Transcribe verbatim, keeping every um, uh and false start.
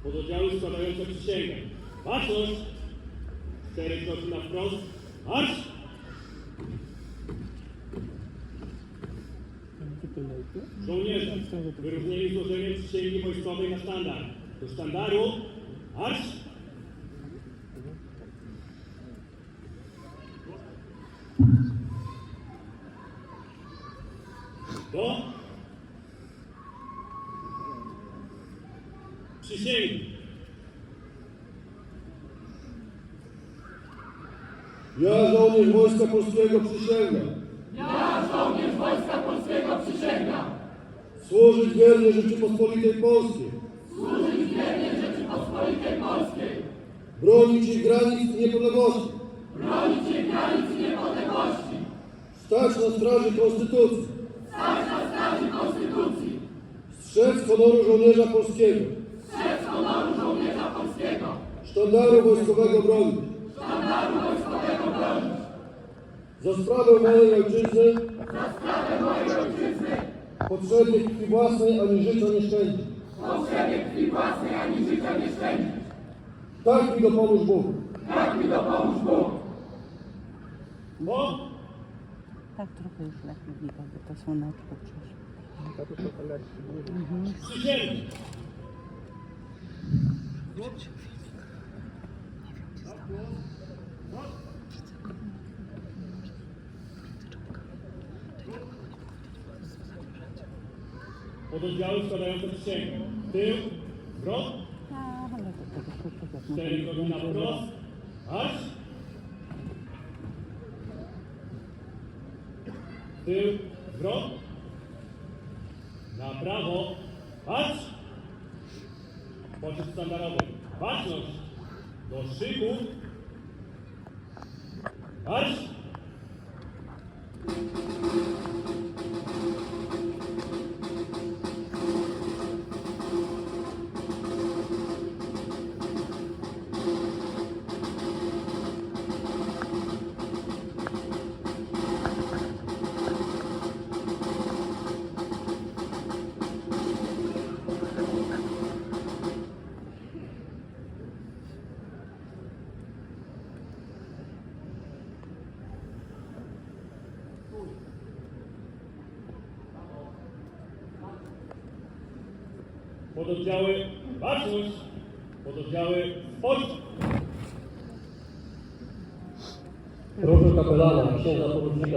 Pododdziały składające przysięgę. Baczność! Cztery kroki na wprost. Marsz! Żołnierze, wyróżnieni złożeniem przysięgi wojskowej na sztandar. Do sztandaru. Marsz! Do przysięgi. Ja, żołnierz Wojska Polskiego, przysięgam. Ja, żołnierz Wojska Polskiego, przysięgam. Służyć wiernie Rzeczypospolitej Polskiej. Służyć wiernie Rzeczypospolitej Polskiej. Bronić jej granic i niepodległości. Bronić jej granic i niepodległości. Stać na straży Konstytucji. Stać na straży Konstytucji. Strzec honoru żołnierza polskiego. Strzec honoru żołnierza polskiego. Sztandaru wojskowego bronić. Sztandaru wojskowego bronić. Za sprawę mojej ojczyzny. Za sprawę mojej ojczyzny. Potrzebie krwi własnej ani życia nie szczędzić. Potrzebie krwi własnej ani życia nie szczędzić. Tak mi dopomóż Bóg. Tak mi dopomóż Bóg. Bo Tak trochę już lepiej widać, bo to słoneczko przeszło. przysięgi. Pododdziały składające przysięgę. Tył, wrot, A, ale to tego szybko jak cztery kroki na wprost. Marsz! Tył, wrot. Na prawo. Patrz! Poczet sztandarowy. Baczność! Do szyku. Marsz! Pododdziały baczność, pododdziały spojrzeć. Proszę kapelana, księdza porucznika